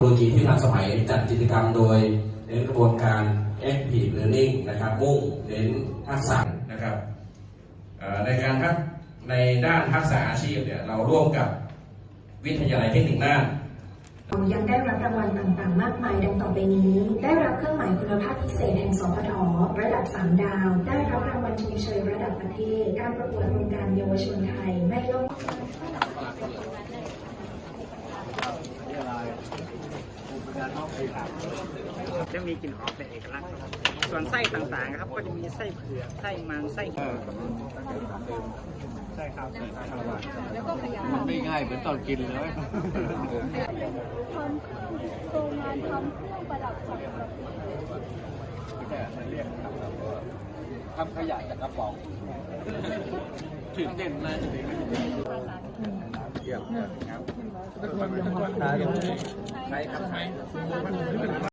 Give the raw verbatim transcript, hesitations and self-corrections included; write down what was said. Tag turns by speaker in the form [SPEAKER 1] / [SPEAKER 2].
[SPEAKER 1] โลยีที่ทันสมัยจัดกิจกรรมโดยเน้นกระบวนการ Active Learning นะครับมุ่งเน้นทักษะนะครับในการทักในด้านทักษะอาชีพเนี่ยเราร่วมกับวิทยาลัยเทคนิคน่าน
[SPEAKER 2] ยังได้รับรางวัลต่างๆมากมายดังต่อไปนี้ ได้รับเครื่องหมายคุณภาพพิเศษแห่งสพทระดับสามดาว ได้รับรางวัลชมเชยระดับประเทศการประกวดโครงการเยาวชนไทยไม่ล่ม
[SPEAKER 3] จะมีกลิ่นหอมเป็นเอกลักษณ์ส่วนไส้ต่างๆครับก็จะมีไส้เผือกไส้มันไส้เผือกใช่ครับ
[SPEAKER 4] มันไม่ง่ายเหมือนตอนกินเลย
[SPEAKER 5] ทำเครื่องโรงงานทำเครื่องประดับสังกะสี
[SPEAKER 4] ทำขยะจากกระป๋องถึงเด่นนะเยี่ยมครับใช้ครับใช้